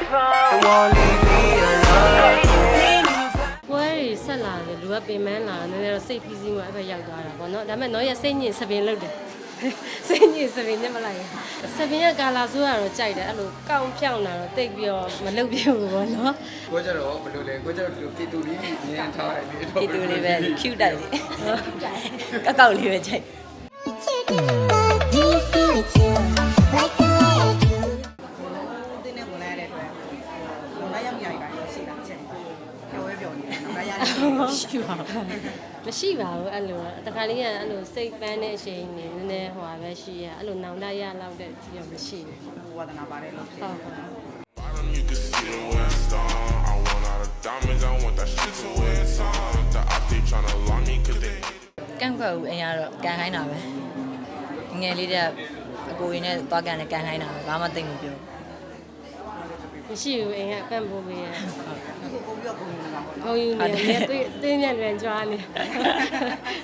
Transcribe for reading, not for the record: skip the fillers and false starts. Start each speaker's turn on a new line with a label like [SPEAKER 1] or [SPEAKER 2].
[SPEAKER 1] ပွဲတွေဆက်လာတယ်လူကပင်ပန်းလာတယ်နည်းနည်းတော့စိတ်ဖိစီးမှအဲ့ဘက်ရောက်သွားတာပေါ့နော်ဒါပေမဲ့တော့ရစိတ်ညစ်စပင်လုပ်တယ်စိတ်ညစ်စပင်ညက်မလိုက်စပင်ကကာလာဆိုးရတော့ကြိုက်တယ်အဲ့လိုကောင်းဖြောင်းလာတော့တိတ်ပြီးတော့မလုပ်ပြဘူးပေါ့နော်
[SPEAKER 2] ကိုကြတော့ဘယ်လိုလဲကိုကြတော့ဒီလိုတီတူလေးမြင်ထားတယ်လေ
[SPEAKER 3] ဒီတူလေးပဲ cute တိုက်လေးကောက်ကောက်လေးပဲကြိုက်
[SPEAKER 4] တင်းနဲ့ဝင်လာတဲ့အတွက်တော့လိုက်ရမြရိုက်တာရှိတာချက်ပြောပဲပြောနေတယ်တော့လိုက်ရတယ်
[SPEAKER 3] ရှိပါဘူး
[SPEAKER 1] မရှိပါဘူးအဲ့လိုတခါလေးကအဲ့လိုစိတ်ပန်းတဲ့အချိန်နေနည်းနည်းဟိုပါပဲရှိရအဲ့လိုနောင်တရလောက်တဲ့ဒီတော့မရှိဘူး
[SPEAKER 4] ဝါဒနာပါတယ်လို့ဖြစ်
[SPEAKER 1] ဟုတ်ဟုတ်
[SPEAKER 5] You can see the west on. I want all the diamonds, I want that shit to wear on. The op they tryna lock me cause they
[SPEAKER 3] ကန့်ကွက်ဦးအရင်ကတော့ကန်ခိုင်းတာပဲငယ်လေးတဲ့အကိုရင်းနဲ့သွားကန်နဲ့ကန်ခိုင်းတာပဲဘာမှသိမပြော
[SPEAKER 1] မရှိဘူးအိမ်ကပန့်ပိုးပေးရ
[SPEAKER 4] ကိုပြီးတော့ပုံနေတာပေါ့
[SPEAKER 1] ဂုံယူနေတယ်တွေ့ညက်လွန်ကြွားနေ